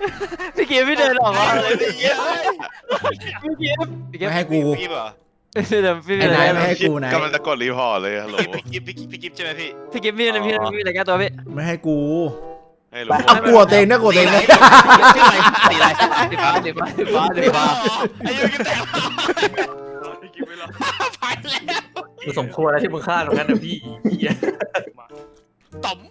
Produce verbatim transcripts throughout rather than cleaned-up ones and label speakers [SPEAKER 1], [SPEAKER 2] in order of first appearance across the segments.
[SPEAKER 1] พี่กิฟพี่เดินออกมาเลยพี่กิฟพี่กิฟพี่กิฟ
[SPEAKER 2] ไม่ให้กู
[SPEAKER 3] พี่เหรอ
[SPEAKER 1] พี่เดินพี่
[SPEAKER 2] ไอ้
[SPEAKER 1] เดิน
[SPEAKER 2] นายไม่ให้กูนาย
[SPEAKER 4] กำลังจะกดรีพอร์ตเลยฮัลโหล
[SPEAKER 3] พี่กิฟพี่กิฟพี่กิฟใช่ไหมพี่
[SPEAKER 1] พี่กิฟพี่เดินพี่เดินพี่อะไรแก้ตัวพี่
[SPEAKER 2] ไม่ให้กู
[SPEAKER 4] ให้รู้
[SPEAKER 2] เอากลัวเตงนะกลัวเตงนะ
[SPEAKER 1] สีอะไรสีอะไรสีฟ้าสีฟ้าสีฟ้าสีฟ้า
[SPEAKER 3] ไอ้ยูกิฟแตกไปแล้ว
[SPEAKER 5] กูสมควรแล้วที่มึงฆ่าตรงนั้นนะพี่
[SPEAKER 3] ต่อม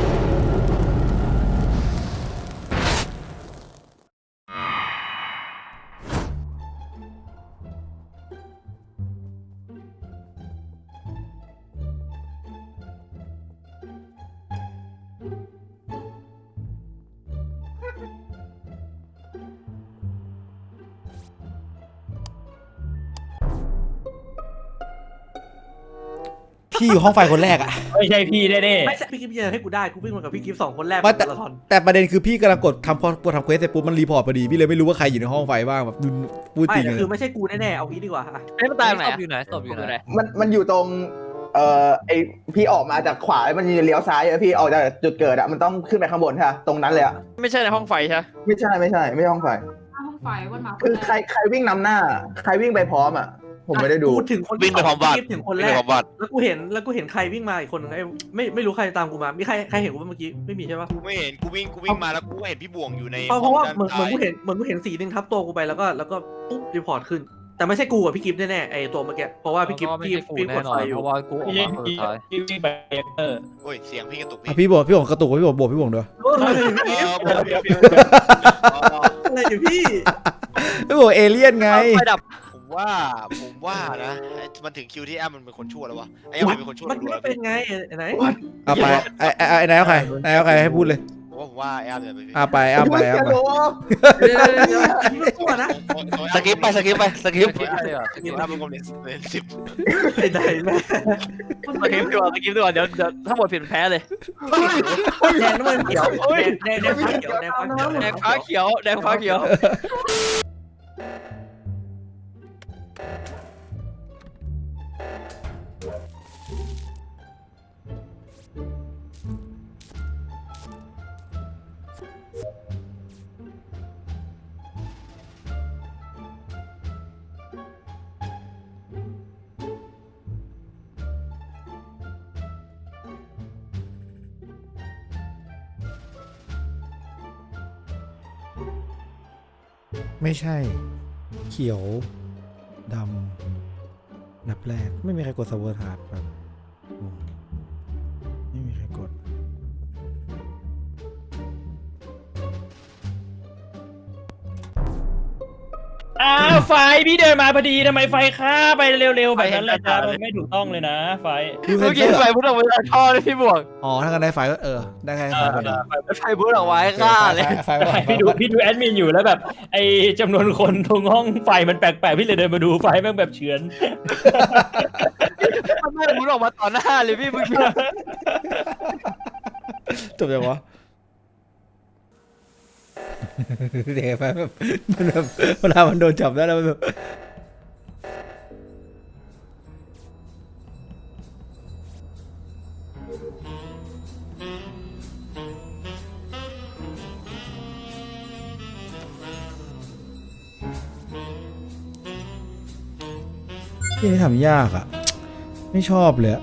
[SPEAKER 2] พี่อยู่ห้องไฟคนแรกอะ
[SPEAKER 6] ไม่ใช่พี่แน่
[SPEAKER 5] ไม่ใช่พี่กิฟต์ยังให้กูได้กูวิ่งมากับพี่กิฟต์สองคนแรก
[SPEAKER 2] ว่าแต่
[SPEAKER 5] มาราธอน
[SPEAKER 2] แต่ประเด็นคือพี่กำลังกดทำพอทำเควสเสร็จปุ๊บมันรีพอร์ตพอดีพี่เลยไม่รู้ว่าใครอยู่ในห้องไฟบ้างแบบพูด
[SPEAKER 5] ไม่
[SPEAKER 2] จริง
[SPEAKER 5] แต่
[SPEAKER 2] เลย
[SPEAKER 5] คือไม่ใช่กูแน่ๆเอางี้ดีกว่าอะ
[SPEAKER 1] ไอ้มันตายไหน
[SPEAKER 7] ศพอยู่ไหนศพอยู่ไหน
[SPEAKER 8] มันมันอยู่ตรงเอ่อไอพี่ออกมาจากขวามันจะเลี้ยวซ้ายอะพี่ออกจากจุดเกิดอะมันต้องขึ้นไปข้างบนใช่ไหมตรงนั้นเลยอะ
[SPEAKER 1] ไม่ใช่ในห้องไฟใช่
[SPEAKER 8] ไม่ใช่ไม่ใช่ไม่ใช่ห้องไฟ
[SPEAKER 9] ห้องไฟวันมา
[SPEAKER 8] คือใครใครวิ่งนำหน้า ใครวิ่งไปพร้อมอะผมไม่ได้ดู
[SPEAKER 5] กูถึงคน
[SPEAKER 3] วิ่งไปพร้อมบัตร
[SPEAKER 5] พี่กิฟต์ถึงคน
[SPEAKER 3] วิ่
[SPEAKER 5] แรง
[SPEAKER 3] ไป
[SPEAKER 5] ก
[SPEAKER 3] พร้อมบัตร
[SPEAKER 5] แล้วกูเห็นแล้วกูเห็นใครวิ่งมาอีกคนนึงไอ้ไม่ไม่รู้ใครตามกูมามีใครใครเห็นกูเมื่อกี้ไม่มีใช่ปะ
[SPEAKER 3] กูไม่เห็นกูวิ่งกูวิ่งมาแล้วกูเห็นพี่บ่วงอยู่ใน
[SPEAKER 5] เพราะเพราะว่า
[SPEAKER 3] ห้ง
[SPEAKER 5] เหมือนเหมือนกู
[SPEAKER 3] ด้
[SPEAKER 5] เห็นเหมือนกูเห็นสีหนึ่งทับตัวกูไปแล้วก็แล้วก็ปุ๊บรีพอร์ตขึ้น แต่ไม่ใช่กูกับพี่กิฟต์แน่ๆไอ้ตัวเมื่อกี้เพราะว่าพี่กิฟต์
[SPEAKER 7] ไม่
[SPEAKER 5] พี่
[SPEAKER 7] ใช่กู
[SPEAKER 5] พี่ก
[SPEAKER 7] แน่
[SPEAKER 5] ด
[SPEAKER 7] นอ
[SPEAKER 5] ไฟ
[SPEAKER 7] น
[SPEAKER 5] อยู่
[SPEAKER 7] เพราะว่ากูออก
[SPEAKER 6] ๆพี่
[SPEAKER 7] มาคนสุดท้าย
[SPEAKER 6] พี่วิ่งไปเรียกเตอร์
[SPEAKER 3] โอ้ยเสียงพี่กระตุก
[SPEAKER 2] อ่ะ
[SPEAKER 3] พี่
[SPEAKER 2] พี่บอกพี่บอกกระตุกพี่บอกบอกพี่บอกด้วย
[SPEAKER 5] เออ
[SPEAKER 3] เออผม
[SPEAKER 5] อะไรอยู่พี่
[SPEAKER 2] พี่บอกเอเลี่ยนไง
[SPEAKER 1] ไฟดับ
[SPEAKER 3] ผมว่าผมว่านะมันถึงคิวที่แอมมันเป็นคนชั่วแล้ววะไอ้แอมมันเป็นคนชั่ว
[SPEAKER 5] มัน
[SPEAKER 3] ดู
[SPEAKER 5] ไม่
[SPEAKER 3] แล้ว
[SPEAKER 5] เป็นไงไอ้ไหน
[SPEAKER 2] เอาไปไอ้ไอ้ไอ้นายเอาใครนายเอาใครให้พูดเลย
[SPEAKER 3] ผมว่าผมว่าแอมเนี่ยเป็น
[SPEAKER 2] เอาไปเอาไปเอาไป
[SPEAKER 5] เดี๋ยวเดี๋ยวเดี๋ยวไม่ตัวนะ
[SPEAKER 1] สกิปไปสกิปไปสกิป
[SPEAKER 7] สกิปเลยเหรอสกิป
[SPEAKER 3] แอมเป็นคนเป็นสิบ
[SPEAKER 5] ไอ้ไหนแม่
[SPEAKER 1] สกิปดีกว่าสกิปดีกว่าเดี๋ยวเดี๋ยวถ้าหมดผิดแพ้เลย
[SPEAKER 5] แดงน้ำมันเขียวแดงแดงฟ้าเขียวแดงฟ้าเขียว
[SPEAKER 1] แดงฟ้าเขียวแดงฟ้าเขียว
[SPEAKER 2] ไม่ใช่ เขียวดำนับแรกไม่มีใครกดสเวอร์ทาร์ดแบบงงไม่มีใครกด
[SPEAKER 6] อ้าวไฟพี่เดินมาพอดีทำไมไฟฆ่าไปเร็วๆแบบนั้นเลยครับมันไม่ถูกต้องเลยนะไฟ
[SPEAKER 1] เมื่อกี้ไฟพุ่งออกมาจากท่อเลยพี่บวก
[SPEAKER 2] อ๋อถ้ากันได้ไฟก็เออได้แค่ไฟคนเดียว
[SPEAKER 1] ไฟพุ่งออกมาให้ฆ่าเลย
[SPEAKER 2] ไฟไฟไฟ
[SPEAKER 6] พี่ดูพี่ดูแอดมินอยู่แล้วแบบไอจำนวนคนตรงห้องไฟมันแปลกๆพี่เลยเดินมาดูไฟแม่งแบบเฉือน
[SPEAKER 1] มันไม่พุ่งออกมาต่อหน้าเลยพี่เมื่อกี้
[SPEAKER 2] จบยังวะเด็กไฟแบบมันแบบเวลามันโดนจับได้แล้วมันแบบที่นี่ทำยากอ่ะ ไม่ชอบเลยอะ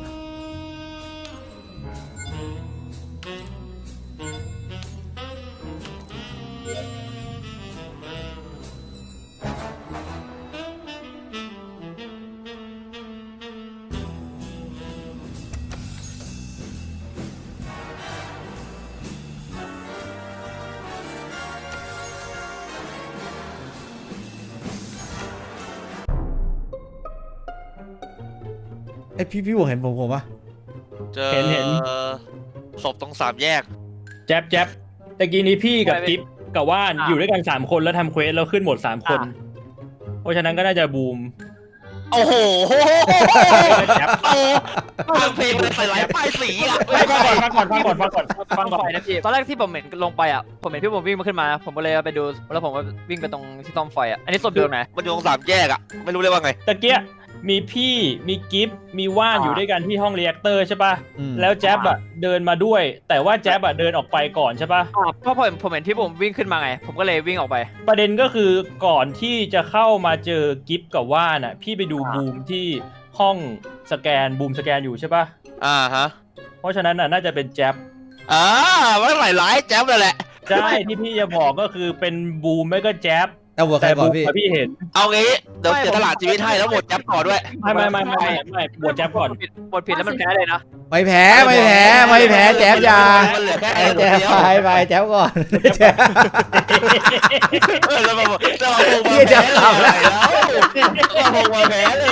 [SPEAKER 2] ไอพี่พี่บอกเห็นผมผมปะ
[SPEAKER 3] เจอศพตรงสามแยก
[SPEAKER 6] แจ๊บแจ๊บตะกี้นี้พี่กับจิ๊บกับว่านอยู่ด้วยกันสามคนแล้วทำเควสแล้วขึ้นหมดสามคน เพราะฉะนั้นก็น่าจะบูม
[SPEAKER 3] โอ้โห
[SPEAKER 6] แจ๊บ
[SPEAKER 3] โอ้ฟังเพลงเลยใส่หลายป้ายสีอ่ะ
[SPEAKER 6] ฟังก่อนฟังก่อนฟังก่อนฟังก่อนฟังก่อน
[SPEAKER 1] ไฟนะพี่ตอนแรกที่ผมเห็นลงไปอ่ะผมเห็นพี่ผมวิ่งมาขึ้นมาผมก็เลยไปดูแล้วผมก็วิ่งไปตรงที่ซ่อมไฟอ่ะอันนี้ศพเดิมไหน
[SPEAKER 3] มันอยู่ตรงสามแยกอ่ะไม่รู้เลยว่าไง
[SPEAKER 6] ตะเกียมีพี่มีกิฟมีว่านอยู่ด้วยกันที่ห้องเรีแอคเตอร์ใช่ป่ะ
[SPEAKER 2] อืม
[SPEAKER 6] แล้วแจ๊บอะเดินมาด้วย แต่ว่าแจ๊บอะเดินออกไปก่อนใช่ป่ะ
[SPEAKER 1] อ่าเพราะผมผมเห็นที่ผมวิ่งขึ้นมาไง ผมก็เลยวิ่งออกไป
[SPEAKER 6] ประเด็นก็คือก่อนที่จะเข้ามาเจอกิฟกับว่านอะพี่ไปดูบูมที่ห้องสแกนบูมสแกนอยู่ใช่ป่ะ
[SPEAKER 3] อ่าฮะ
[SPEAKER 6] เพราะฉะนั้นอะน่าจะเป็นแจ๊บ
[SPEAKER 3] อ่ามันหลายหลายแจ๊บเลยแหละ
[SPEAKER 6] ใช่ที่พี่จะบอกก็คือเป็นบูมไม่ก็แจ๊บ
[SPEAKER 2] เอาหัวใคร
[SPEAKER 6] แต่
[SPEAKER 2] ก่อ
[SPEAKER 6] บู
[SPEAKER 2] น
[SPEAKER 6] ม
[SPEAKER 2] พี่
[SPEAKER 6] อะพี่เห็น
[SPEAKER 3] เอางี้เดี๋ยวเสียตลาดชีวิตให้แล้วหมดแจ๊บก่อนด้วย
[SPEAKER 6] ไม่ไม่ไม่ไม่ไม่ไม่บวชแจ๊บก่อน
[SPEAKER 1] ผิดบทผิดแล้วมันแพ้เลยนะ
[SPEAKER 2] ไม่แพ้ไม่แพ้ไม่แพ้แจ๊บอยา
[SPEAKER 3] มันเหลือแค่
[SPEAKER 2] ไอ้
[SPEAKER 3] ไอ้
[SPEAKER 2] แจ๊บ
[SPEAKER 3] เดียว
[SPEAKER 2] ไปไปแจ๊บก่อนแจ๊บ
[SPEAKER 3] เออแล้วมาบอกแล้วมาบอก
[SPEAKER 2] พี่จะขำแล้ว
[SPEAKER 3] แล้วมาบอกมาแพ้เลย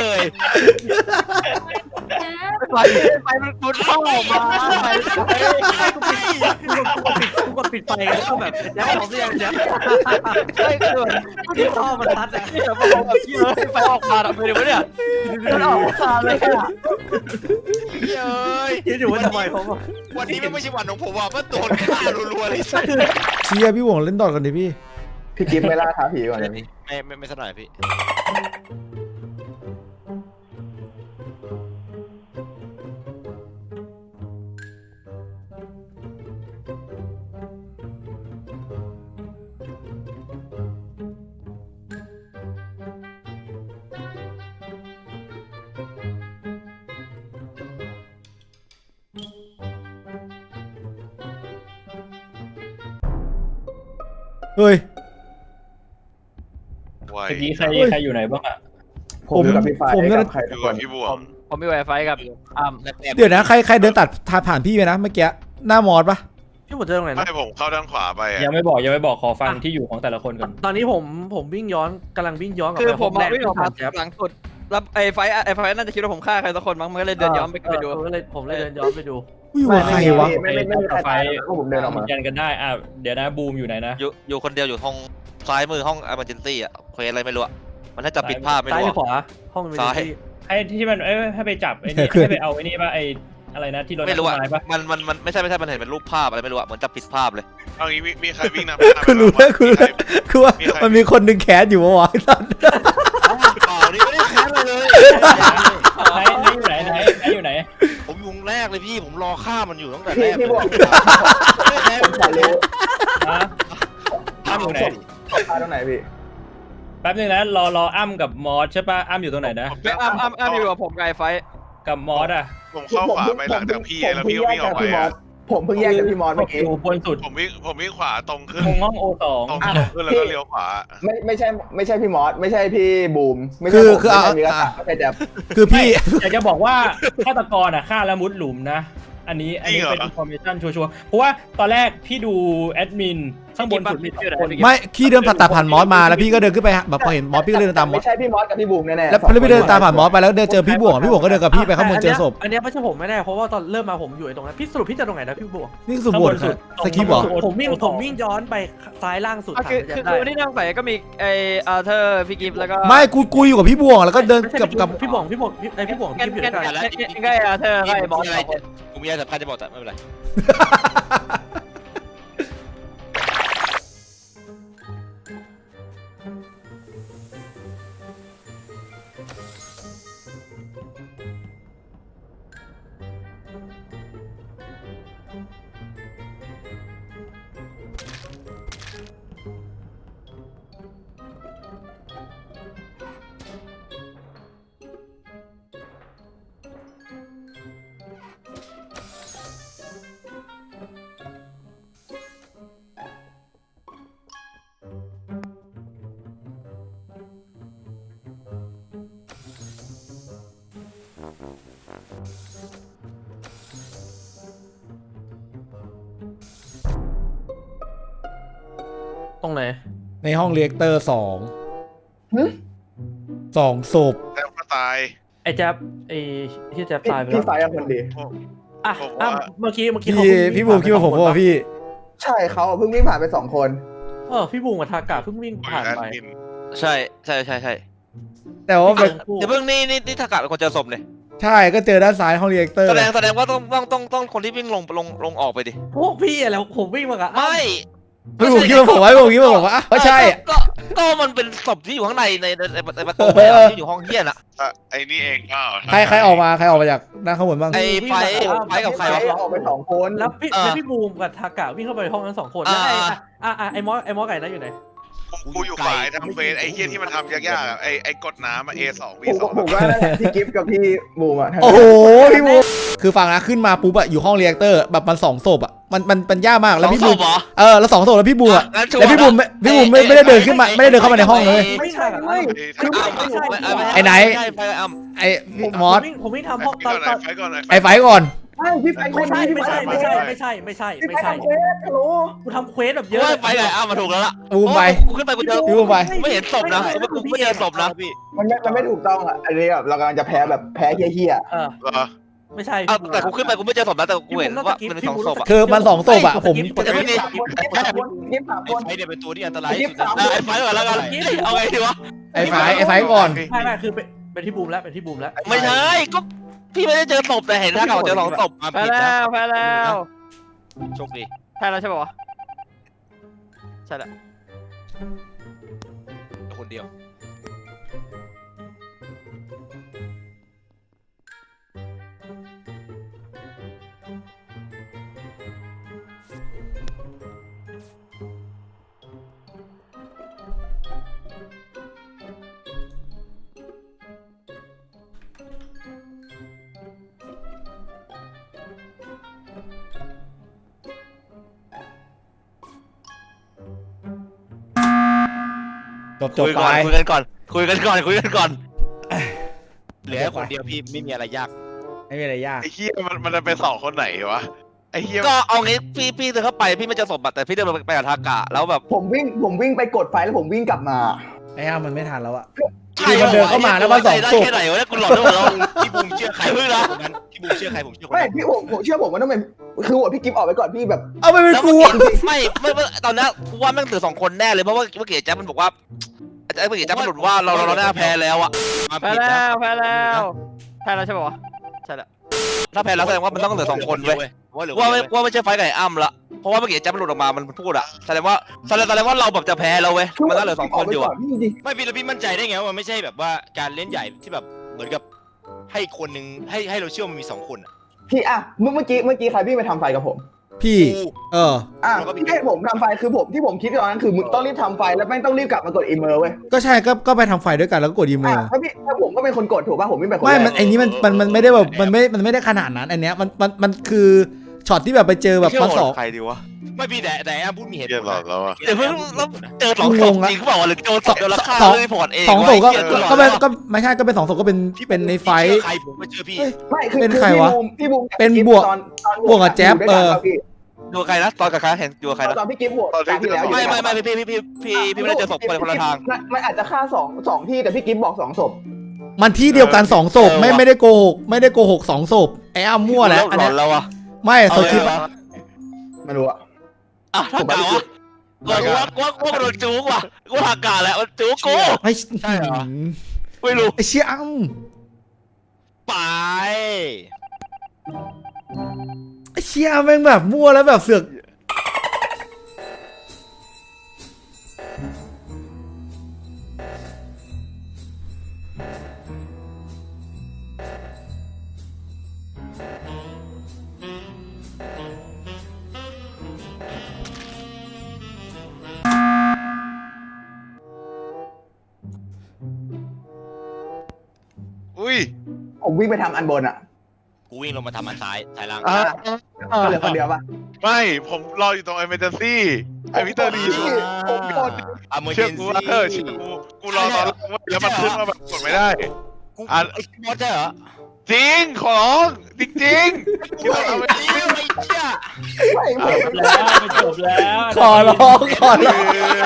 [SPEAKER 1] ไฟไฟมันมุดเข้าออกมาไฟ
[SPEAKER 5] กูกดปิดไฟแล้วก็แบบแจ๊บออกเสียงแจ๊บ
[SPEAKER 1] ใช่คือ
[SPEAKER 5] ที่ท่อมันทัดอะ
[SPEAKER 1] แต่พอผมแบบพี่เลยไฟออกมาทำไมดูวะเนี่ยมันออกมาเลยอะ
[SPEAKER 3] เฮ้ย
[SPEAKER 5] คิดอยู่ว่าทำไมผมอะ
[SPEAKER 3] วันนี้ไม่ใช่วันของผมว่ะมันโดนฆ่ารัวๆเลยสัส
[SPEAKER 2] เชียร์พี่หวงเล่นดอทกันดิพี่
[SPEAKER 8] พี่กิฟไม่ล่าท้าผีก่อนเลย
[SPEAKER 3] ไม่ไม่ไม่สักหน่อยพี่
[SPEAKER 2] เฮ้ย
[SPEAKER 4] ไว
[SPEAKER 6] เมื่อกี้ใครใครอยู่ไหนบ้างอะ
[SPEAKER 8] ผมอยู่กับพี่ไฟ
[SPEAKER 2] ผมเนี่ย
[SPEAKER 8] กับใคร
[SPEAKER 4] อ
[SPEAKER 8] ทุก
[SPEAKER 4] ยู่
[SPEAKER 8] ค
[SPEAKER 4] กับ
[SPEAKER 8] น
[SPEAKER 4] พี่บว
[SPEAKER 1] ผ
[SPEAKER 4] ง
[SPEAKER 1] มผมมีไวไฟกับอ้ำ
[SPEAKER 2] เดี๋ยวนะใครใครเดินตัดผ่านพี่ไปนะเมื่อกี้หน้ามอสปะ
[SPEAKER 5] พี่หมดเจอตรงไหนนะ
[SPEAKER 4] ไม่ผมเข้าด้านขวาไปอะ
[SPEAKER 6] ยังไม่บอกยังไม่บอกขอฟังที่อยู่ของแต่ละคนก่อน
[SPEAKER 5] ตอนนี้ผมผมวิ่งย้อนกำลังวิ่งย้อนกลับ
[SPEAKER 1] คือ
[SPEAKER 5] ไป
[SPEAKER 1] ผม
[SPEAKER 5] แร
[SPEAKER 1] มาก วิ่งออกมา
[SPEAKER 5] แจ๊บ
[SPEAKER 1] หลังสุดแล้วไอ้ไฟไอ้ไฟน่าจะคิดว่าผมฆ่าใครสักคนมั้งมันก็เลยเดินย้อนไปไปดู
[SPEAKER 5] เออเลยผมเลยเดินย้อนไปดู
[SPEAKER 2] อุ้ยว่าใครวะ
[SPEAKER 8] ไม่ไม่ไม่มีใครตายแล้วก็ผมเดินออกมา
[SPEAKER 6] ยันกันได้อ่ะเดี๋ยวนะบูมอยู่ไหนนะ
[SPEAKER 3] อยู่อยู่คนเดียวอยู่ห้องซ้ายมือห้อง emergency อ่ะเควสอะไรไม่รู้อะมันน่าจะปิดภาพไม่
[SPEAKER 5] ซ้าย
[SPEAKER 3] รู้
[SPEAKER 5] หรือ
[SPEAKER 3] อะ
[SPEAKER 5] ขวาห้องมัน
[SPEAKER 3] ซ้าย
[SPEAKER 5] ที่
[SPEAKER 6] ให้ที่มันเอ้ยให้ไปจับไอ้นี่ให้ไปเอาไอ้นี่ป่ะไอ้อะไรนะที่รถ
[SPEAKER 3] ไม่รู้อะ
[SPEAKER 6] น้ำต้นไม้ป่ะ
[SPEAKER 3] มันมันมันไม่ใช่ไม่ใช่มันเห็นเป็นรูปภาพอะไรไม่รู้อะเหมือนจะปิดภาพเลย
[SPEAKER 4] เอางี้มีมีใครวิ่งนำหน้าไป
[SPEAKER 2] คุณรู้
[SPEAKER 4] บ้าง
[SPEAKER 2] แล้วคุณรู้
[SPEAKER 4] มีใคร
[SPEAKER 2] แล้วคือว่ามันมีคนหนึ่งแคสอยู่วะวะสัตว์
[SPEAKER 3] เปล่านี่ไม่ได้แค้นเลยเลย
[SPEAKER 6] ไหนไหนอยู่ไหนไหนไหนอยู่ไหน
[SPEAKER 3] ผมยุงแรกเลยพี่ผมรอฆ่ามันอยู่ตั้งแต่
[SPEAKER 8] พี่
[SPEAKER 3] แรก
[SPEAKER 8] พี่บอก
[SPEAKER 3] ไม่แค้น
[SPEAKER 8] ผมขอรู้
[SPEAKER 6] ฮะอ้ำอยู่ไหน
[SPEAKER 8] ตาตรงไหนพี่
[SPEAKER 6] แป๊บนึงนะรอรออ้ำกับมอสใช่ป่ะอ้ำอยู่ตรงไหนนะ
[SPEAKER 4] ผม
[SPEAKER 1] ไม่อ้ำอ้ำอ้ำอยู่กับผมไกบไอ้ไฟ
[SPEAKER 6] กับมอสอ่ะ
[SPEAKER 4] ผมเข้าขวาไปหลังจากพี่แล้วพี่ก็วิ่งออกไปอะ
[SPEAKER 8] ผมเพิ่งแยกจากพี่มอสเมื่อกี้
[SPEAKER 6] อยู่บนสุด
[SPEAKER 4] ผมวิ่งผมวิ่งขวาตรงขึ้น
[SPEAKER 6] ตรงห้องโอสอง
[SPEAKER 4] ตรงขึ้นขึ้นแล้วก็เลี้ยวขวา
[SPEAKER 8] ไม่ไม่ใช่ไม่ใช่พี่มอสไม่ใช่พี่บูมไม่
[SPEAKER 2] คื
[SPEAKER 8] ใช่
[SPEAKER 2] อ
[SPEAKER 8] ผม
[SPEAKER 2] คือ
[SPEAKER 8] ไม่
[SPEAKER 2] เอา
[SPEAKER 8] ใช่มีกระ
[SPEAKER 2] อ่ะ
[SPEAKER 8] ตาไม่ใช่แจ๊บ
[SPEAKER 2] คือพี่
[SPEAKER 6] อยากจะบอกว่าฆาตกรอ่ะฆ่าแล้วมุดหลุมนะ อันนี้อันนี้เป็น information ชัวร์ๆเพราะว่าตอนแรกพี่ดูแอดมินข้างบนสุดมีสองคน
[SPEAKER 2] ไม่พี่เดินผ่านตาผ่านมอสมาแล้วพี่ก็เดินขึ้นไปแบบพอเห็นมอสพี่ก็เลยเดินตามมอ
[SPEAKER 8] ไม่
[SPEAKER 2] ส
[SPEAKER 8] ใช่พี่มอสกับพี่บูมแน่ๆ
[SPEAKER 2] แล้วพอพี่เดินตามผ่านมอสไปแล้วเดินเจอพี่บวงพี่บวงก็เดินกับพี่ไปข้างบนเจอศพ
[SPEAKER 5] อันเนี้ยไม่ใช่ผมไม่แน่เพราะว่าตอนเริ่มมาผมอยู่ไอ้ตรงนั้นพี่สรุปพี่จะตรงไหนนะพี่บวก
[SPEAKER 2] นี่คือสุบวชครับสคริปต์เหรอ
[SPEAKER 5] ผมวิ่งผมวิ่งย้อนไปซ้ายล่างสุด
[SPEAKER 1] อ่ะคือคือคือวันที่นั่งใส่ก็มีไอ้อาร์เธอร์พี่กิฟต์แล้วก็
[SPEAKER 2] ไม่กูกูอยู่กับพี่บวงแล้วก็เดิน
[SPEAKER 5] ไม่ใช่
[SPEAKER 2] กับกับ
[SPEAKER 5] พี่บวงพี่บวงไอ้พี่บวง
[SPEAKER 1] กัน
[SPEAKER 5] พี่อยู่
[SPEAKER 1] กั
[SPEAKER 5] ด้วยกัน
[SPEAKER 1] นกันก็ไอ้อาร์เธอร์ก็ไอ้บอสสองคน
[SPEAKER 3] กูมีอะไรสำคัญจะบอกแต่ไม่เป็นไร
[SPEAKER 5] ตรงไหน
[SPEAKER 2] ในห้องเรียกเตอร์สองสองศพ
[SPEAKER 4] แล้วก็ตาย
[SPEAKER 5] ไอ้แจ๊บไอ้ที่แจ๊บ
[SPEAKER 8] พี่
[SPEAKER 5] ตายไป
[SPEAKER 8] พี่
[SPEAKER 5] แล้ว
[SPEAKER 8] ไฟเป็นคนดี
[SPEAKER 5] อ่ะ
[SPEAKER 4] ผม
[SPEAKER 5] อ่ะ
[SPEAKER 4] ว่า
[SPEAKER 5] เมื่อกี้เมื่อกี้
[SPEAKER 2] พี่พี่บูมคิดว่าผมว่าพี่
[SPEAKER 8] ใช่เขาเพิ่งวิ่งผ่านไปสองคน
[SPEAKER 5] เออพี่บูมกับทากาเพิ่งวิ่ง
[SPEAKER 4] ผมอ
[SPEAKER 5] ผ่าน
[SPEAKER 4] ยู่แอด
[SPEAKER 5] ไป
[SPEAKER 4] มิน
[SPEAKER 3] ใช่ใช่ใช่ใช่
[SPEAKER 2] แต่ว่ามัน
[SPEAKER 3] เดี๋ยวเพิ่งนี่นี่นี่ถ้ากะเป็นคนเจอศพเลย
[SPEAKER 2] ใช่ก็เจอด้านซ้ายห้องเรียกเตอร์
[SPEAKER 3] แสดงแสดงว่าต้องต้องต้องต้องคนที่วิ่งลงลงลงออกไปดิ
[SPEAKER 5] พวกพี่อะแล้วผมวิ่งมากับอ้ำ
[SPEAKER 3] ไม่
[SPEAKER 2] พี่บุ๋มคิดว่าผมว่าพี่บุ๋มคิดว่าผมว่าก็ใช่
[SPEAKER 1] ก็ก็มันเป็นศพที่อยู่ข้างในในในในประตูที่อยู่ห้องเฮียน่ะ
[SPEAKER 4] อ่ะไอ้นี่เองเปล่า
[SPEAKER 2] ใครใครออกมาใครออกมาจากด้านข้างบนบ้าง
[SPEAKER 1] ไอ้ไฟไฟกับใครวะ
[SPEAKER 8] ออกไปสองคน
[SPEAKER 5] แล้วพี่
[SPEAKER 1] เออ
[SPEAKER 5] แล้วพี่บูมกับทากะวิ่งเข้าไปในห้องนั้นสองคนแล้วไอ้
[SPEAKER 1] อ่า
[SPEAKER 5] อ่ะอ่ะไอ้มอสไอ้มอสไก่นั่นอยู่ไหน
[SPEAKER 4] กูอยู่ฝ่ายทำเฟสไอ้เฮียที่มันทำยากๆอะไอ้ไอ้กดน้ำอะ เอ สอง วี
[SPEAKER 8] ผม
[SPEAKER 4] สอง
[SPEAKER 8] ผมว่านั่นแหละพี่กิฟต์กับพี่บูมอะ
[SPEAKER 2] โอ้โหพี่บูมคือฟังนะขึ้นมาปุ๊บอะอยู่ห้องเรียกเตอร์แบบมันสองศพอะมันมันมันยากมากแล้วพี่บูม
[SPEAKER 1] เหรอ
[SPEAKER 2] เออแล้วสองศพแล้วพี่บูมอะ
[SPEAKER 1] งั้นชัว
[SPEAKER 2] แล้ว
[SPEAKER 1] ร์
[SPEAKER 2] พี่บูมไม่พี่บูมไม่ไม่ได้เดินขึ้นมาไม่ได้เดินเข้ามาในห้องเลย
[SPEAKER 5] ไม่ใช่ไม่
[SPEAKER 8] คือ
[SPEAKER 1] อ้าว
[SPEAKER 8] ไม่ใช่
[SPEAKER 1] ไม่ไม่
[SPEAKER 2] ไอ้ไหน
[SPEAKER 1] ใช่ไฟกับอ้ำ
[SPEAKER 2] ไอ้มอส
[SPEAKER 5] ผมวิ่งผมวิ่งทำห้อง
[SPEAKER 4] ไฟ
[SPEAKER 5] ตอน
[SPEAKER 4] ก่อน
[SPEAKER 5] ตอน
[SPEAKER 4] ไฟก่อน
[SPEAKER 2] ไอ้ไฟก่อน
[SPEAKER 8] ใช่พี่ไฟค
[SPEAKER 5] ไม่
[SPEAKER 8] น
[SPEAKER 5] ใช่
[SPEAKER 8] นี้
[SPEAKER 5] ไม่ใช่ไม่ใช่ไม่ใช่ไม่ใช่
[SPEAKER 8] พี่
[SPEAKER 5] ไม่
[SPEAKER 8] ไฟ
[SPEAKER 5] ใช่
[SPEAKER 8] ทำเควสฮัลโหล
[SPEAKER 5] กูทำเควสแบบเย
[SPEAKER 1] เย
[SPEAKER 5] อะ
[SPEAKER 1] อะไฟกับอ้ำมาถูกแล้วล่ะ
[SPEAKER 2] บูมไป
[SPEAKER 1] กูขึ้นไปกูเจอ
[SPEAKER 2] พี่บูมไป
[SPEAKER 1] ไม่เห็นศพนะกูไม่เจอศพนะพี่
[SPEAKER 8] มันไม่มันไม่ถูกต้องอ่ะอันนี้แบบเรากำลังจะแพ้แบบแพ้เฮี้ย
[SPEAKER 5] เออ
[SPEAKER 4] เหรอ
[SPEAKER 5] ไม่ใช่
[SPEAKER 1] เอาแต่กูขึ้นไปกูไม่เจอศพนะแต่กูเห็นว่ามันเป็นสองศพอ่ะ
[SPEAKER 2] คือมันสองศพอะผม
[SPEAKER 8] ๆแต่ไม่ได้สามคนกิฟต์สามคน
[SPEAKER 7] ไฟเนี่ยเป็นตัวที่อันตราย
[SPEAKER 8] กิ
[SPEAKER 7] ที่
[SPEAKER 8] ฟ
[SPEAKER 7] สุ
[SPEAKER 8] ต์
[SPEAKER 7] ด
[SPEAKER 8] สาม
[SPEAKER 1] อ่ะ
[SPEAKER 8] คน
[SPEAKER 1] ไอ้ไฟก่อนแล้วกันเอาไงดีวะ
[SPEAKER 2] ไอ้ไฟไอ้ไฟก่อน
[SPEAKER 5] ไม่ไม่คือเป็นเป็นที่บูมแล้วเป็นที่บูมแล้ว
[SPEAKER 1] ไม่ใช่ก็พี่ไม่ได้เจอศพแต่เห็นท่าเขาเจอสองศพ
[SPEAKER 7] แพ้แล้วแพ้แล้วโชคดี
[SPEAKER 1] แพ้แล้วใช่ป่าวะใช่แหละ
[SPEAKER 7] คนเดียว
[SPEAKER 2] จบจบ
[SPEAKER 1] คุย
[SPEAKER 2] ไป
[SPEAKER 1] ก่อนคุยกันก่อนคุยกันก่อนคุยกันก่อน
[SPEAKER 7] เหลือคนเดียวพี่ไม่มีอะไรยาก
[SPEAKER 2] ไม่มีอะไรยาก
[SPEAKER 4] ไอ้เฮียมันมันจะเป็นสองคนไหนวะไอ้เฮีย
[SPEAKER 1] ก็เอางี้พี่พี่เดินเข้าไปพี่ไม่เจอศพอะแต่พี่เดินไปกับทากะแล้วแบบ
[SPEAKER 8] ผมวิ่งผมวิ่งไปกดไฟแล้วผมวิ่งกลับมา
[SPEAKER 2] ไอ้อ้ามันไม่ทันแล้วอะ
[SPEAKER 1] ใช่
[SPEAKER 2] มันเดินเข้ามาแล้วมาสอง
[SPEAKER 1] ได้
[SPEAKER 2] ศพ
[SPEAKER 1] แค่ไหนวะเนี่ยกูหลอนด้วยแล้ว
[SPEAKER 7] พี่บูมเชื่อใคร
[SPEAKER 1] ใครพึ่งนะ
[SPEAKER 7] คนนั้นพี่บูมเชื่อใครผมเชื่อคน
[SPEAKER 8] ไม่
[SPEAKER 7] นั้น
[SPEAKER 8] พี่ผมผมเชื่อผมว่าต้องเป็นคือว่าพี่กิฟต์ออกไปก่อนพี่แบบ
[SPEAKER 2] เอาไปเป็น
[SPEAKER 1] แล้ว
[SPEAKER 2] กู
[SPEAKER 1] เมื่อกี้ไม่ไม่ไม่ตอนนั้นกูว่าแม่งเหลือสองคนแน่เลยเพราะว่าเมื่อกี้แจ๊บมันบอกว่าไอ้เมื่อกี้แจ๊บมันหลุดว่าเราเราเราได้แพ้แล้วอะ
[SPEAKER 7] มา
[SPEAKER 1] แพ้
[SPEAKER 7] ผิด
[SPEAKER 1] แล้
[SPEAKER 7] นะ
[SPEAKER 1] วแพ้แล้วแพ้แล้วใช่ป่าวะใช่แล้วถ้าแพ้แล้วแสดงว่ามันต้องเหลือสองคนเว้ย
[SPEAKER 7] ว่าเหลือ
[SPEAKER 1] ว่า
[SPEAKER 7] ว่า
[SPEAKER 1] ไม่ว่าไม่ใช่ไฟไก่อ้ำละเพราะว่าเมื่อกี้แจ๊บมันหลุดออกมามันพูดอะแสดงว่าแสดงแสดงว่าเราแบบจะแพ้แล้วเว้ยมันต้องเหลือสองคนอยู่อะ
[SPEAKER 8] พี่จริง
[SPEAKER 7] ไม่พี่แล้วพี่มั่นใจได้ไงว่ามันไม่ใช่แบบว่าการเล่นใหญ่ที่แบบเหมือนกับให้คนหนึ่งให้ให้เราเชื่อมันมีสองคนอ่ะ
[SPEAKER 8] พี่อ่ะเมื่อเมื่อกี้เมื่อกี้ใครพี่งไปทำไฟกับผม
[SPEAKER 2] พี่ เออ
[SPEAKER 8] อ่ะพี่ให้ผมทำไฟคือผมที่ผมคิดตอนนั้นคือมึงต้องรีบทำไฟแล้วแม่งต้องรีบกลับมากดอีเมลเว้ย
[SPEAKER 2] ก็ใช่ก็ก็ไปทำไฟด้วยกันแล้วก็กดอีเม
[SPEAKER 8] อ่ะ
[SPEAKER 2] ล
[SPEAKER 8] ถ้าพี่ถ้าผมก็เป็นคนกดถูกป่ะผมวิ่งไปคน
[SPEAKER 2] ไม่
[SPEAKER 8] แร
[SPEAKER 2] มัน
[SPEAKER 8] ก
[SPEAKER 2] ไอ้นี้มันมันมันไม่ได้แบบมันไม่มันไม่ได้ขนาดนั้นอันเนี้ยมันมันมันคือช็อตที่แบบไปเจอแบบมันสอง
[SPEAKER 1] ใครดีวะ
[SPEAKER 7] ไม่พี่แต่แต่อ้าพูดมีเหตุ
[SPEAKER 4] เฮี
[SPEAKER 7] ผ
[SPEAKER 4] ย
[SPEAKER 7] ล
[SPEAKER 4] หลอนแล้วอะ
[SPEAKER 1] เดี๋ยวเพิ่งแล้วเจอสองศพจริงเปล่าวะหรือโดนศพโดนราคาเลยพอร์ตเอง
[SPEAKER 2] สองศพก็
[SPEAKER 1] วะไเหี้ย
[SPEAKER 2] ก็เป็นก็ไม่ใช่ก็เป็นสองศพก็เป็นเป็นในไฟ
[SPEAKER 7] พี่เชื่อใครผมก็เชื่อพี่
[SPEAKER 8] ไม่คือ
[SPEAKER 2] เป็น
[SPEAKER 8] คือ
[SPEAKER 2] ใคร
[SPEAKER 8] พี่
[SPEAKER 2] วะ
[SPEAKER 8] บูมพี่บูม
[SPEAKER 2] เป็นบวก
[SPEAKER 8] ตอนตอน
[SPEAKER 2] บวกกับแจ๊บ
[SPEAKER 8] ยู่ด้วยกัน
[SPEAKER 2] เออ
[SPEAKER 8] ป่ะพี่
[SPEAKER 1] ดูใครนะตอนกับใครเห็นดูใครนะ
[SPEAKER 8] ตอนพี่กิฟต์บวกตอนที่แล้วอยู่
[SPEAKER 1] ไม่
[SPEAKER 8] ด้วย
[SPEAKER 1] ไม่
[SPEAKER 8] กัน
[SPEAKER 1] ไม่พี่พี่พี่พี่พี่ไม่ได้เจอศพคนละคนละทาง
[SPEAKER 8] มันมันอาจจะฆ่าสองสองที่แต่พี่กิฟต์บอกสองศพ
[SPEAKER 2] มันที่เดียวกันสองศพไม่ไม่ได้โกหกไม่ได้โกหกสองศพไอ้อ้ามั่วแล้วอัน
[SPEAKER 1] หล
[SPEAKER 2] เนี้
[SPEAKER 1] อย นแล้วอะ
[SPEAKER 2] ไม่ส
[SPEAKER 1] เอา
[SPEAKER 2] ค
[SPEAKER 1] เล
[SPEAKER 2] ริ
[SPEAKER 1] ย
[SPEAKER 2] ปต์
[SPEAKER 1] วะ
[SPEAKER 8] ไม่รู้อะ
[SPEAKER 1] อ่ะถ้ากาวะกูว่ากูว่ากูว่าโดนจู๊กว่ะกูทากาแหละมันจู๊กกู
[SPEAKER 2] ไม่
[SPEAKER 7] ใช่เหรอ
[SPEAKER 1] ไม่รู้
[SPEAKER 2] ไอ้เชี่ยอ้ำ
[SPEAKER 7] ไป
[SPEAKER 2] ไอ้เชี่ยแม่งแบบมั่วแล้วแบบเสือก
[SPEAKER 4] อุ้ย
[SPEAKER 8] ผมวิ่งไปทำอันบนอะ
[SPEAKER 7] กูวิ่งลงมาทำอันซ้ายสายล่าง
[SPEAKER 4] อ่ะ
[SPEAKER 8] ก็เหลือคนเดียวป่ะ
[SPEAKER 4] ไม่ผมรออยู่ตรง emergency ไอวิเตอร์ดี
[SPEAKER 8] ผมกด
[SPEAKER 7] อ่ะเมอร์
[SPEAKER 4] เชื่
[SPEAKER 7] เจ
[SPEAKER 4] อน กู
[SPEAKER 7] ซี่
[SPEAKER 4] ว่าเออเชื่อกูกูรอตอนแรกเว้ยแล้วมันขึ้นมาแบบกดไม่ได้
[SPEAKER 7] กู
[SPEAKER 4] อ่ะ
[SPEAKER 7] ไอ้บอสใช่เหรอ
[SPEAKER 4] จริงขอร้องจริงจริงๆ
[SPEAKER 7] กูไอ้เหี้ยไอ้เหี้ย
[SPEAKER 8] ไม่ไม่
[SPEAKER 6] แล้วไม่จบแล้ว
[SPEAKER 2] ขอร้องขอร้อง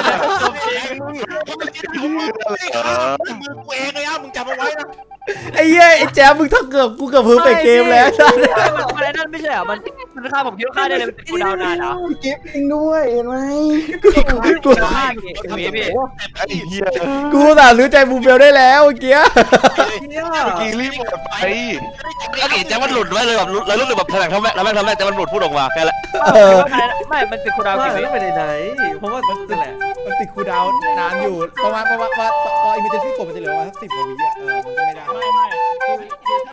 [SPEAKER 4] เออ
[SPEAKER 7] มือกูเองเลยอ่ะมึงจำเอาไว้นะ
[SPEAKER 2] ไอ้เหี้ยไอ้แจ๊บมึงถ้าเกือบกูเกือบเพิ่งไปเกมแล้ว
[SPEAKER 1] มันมันไอ้นั่นไม่ใช่เหรอมันมัน
[SPEAKER 9] ไม่ฆ่าผมคิดว่าฆ่าได้เลยมันเป็นกูดาวนานเหรอ
[SPEAKER 8] พี่กิฟต์เองด้วยเห็นไหม
[SPEAKER 2] กูกู
[SPEAKER 9] ฆ่าเก่งพี่พี่
[SPEAKER 4] ไอ้เหี้ย
[SPEAKER 2] กูอุตสาห์ซื้อใจบูเบลได้แล้วเมื่อกี้
[SPEAKER 5] เนี่ย
[SPEAKER 4] เมื่อกี้รีบหมดไป
[SPEAKER 1] ก็เก๋แจ็คมันหลุดไว้เลยแบบแล้วรู้สึกแบบแถลงทำแม่แล้วแม่งทำแม่งแจ็คมันหลุดพูดออกมาแค่นั้น
[SPEAKER 2] เออ
[SPEAKER 9] ไม่มันเป็นกูดาว
[SPEAKER 5] ว่า
[SPEAKER 9] กี่
[SPEAKER 5] แล้ว
[SPEAKER 9] วิ
[SPEAKER 5] ไปไหนๆเพราะว่านั่นแหละ
[SPEAKER 2] มันติดคูลดาวน์นานอยู่ประมาณประมาณว่าพออิมเมอร์เจนซี่กดมันจะเหลือประมาณสักสิบกว่าวิอ่ะเออมันก็ไม่ได้
[SPEAKER 6] ไม่ไม่คือคือ